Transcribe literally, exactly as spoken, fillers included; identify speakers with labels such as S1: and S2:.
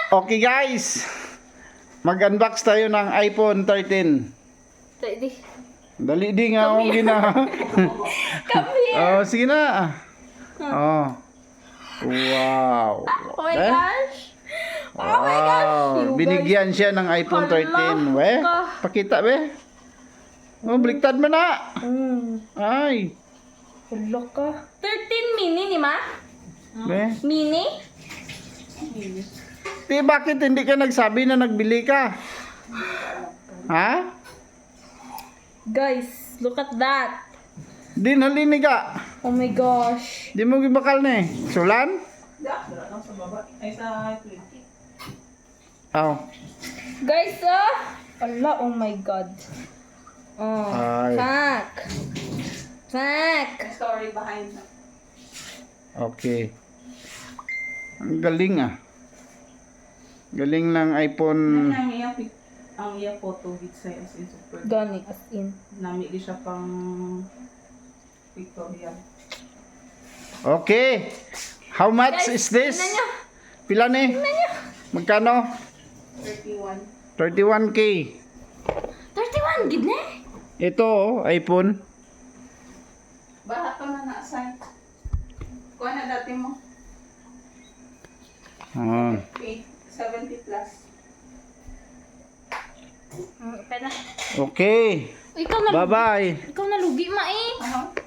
S1: Okay guys, mag-unbox tayo ng iPhone thirteen.
S2: Ready?
S1: Dali di nga akong gina.
S2: Come here.
S1: Oh, sige na. Oh. Wow.
S2: Oh my
S1: Eh?
S2: gosh. Oh my gosh.
S1: Wow.
S2: You
S1: Binigyan siya ng iPhone
S2: Hala
S1: thirteen. We,
S2: ka.
S1: pakita be. Oh, bliktad mo na.
S2: guys. Mm.
S1: Ay.
S2: Hello ka. thirteen mini ni ma?
S1: Be.
S2: Mini?
S1: Ti, bakit hindi ka nagsabi na nagbili ka? Ha?
S2: Guys, look at that.
S1: Di nalinig ka.
S2: Oh my gosh.
S1: Di mo gibakal na eh. Sulan? Oh.
S2: Guys, ah. Ala, oh my god. Oh.
S1: Ay.
S2: Fuck. Fuck.
S3: Story behind that.
S1: Okay. Ang galing ah. Galing ng iPhone.
S3: Ang iya pic, ang iya photo with say as in super.
S2: Gani, as in.
S3: Nami di siya pang pictorial.
S1: Okay. How much
S2: Guys,
S1: is this?
S2: tingnan nyo.
S1: Pila ni? Magkano?
S3: thirty-one.
S1: thirty-one K.
S2: thirty-one, gid na.
S1: Ito oh, iPhone.
S3: Baha to na na-assign. Kuha na dati mo.
S1: Oh.
S3: eight seventy plus.
S2: Mm, pwede na.
S1: Okay.
S2: Ikaw na.
S1: Bye-bye.
S2: Ikaw na lugi, ma eh.
S3: Aha.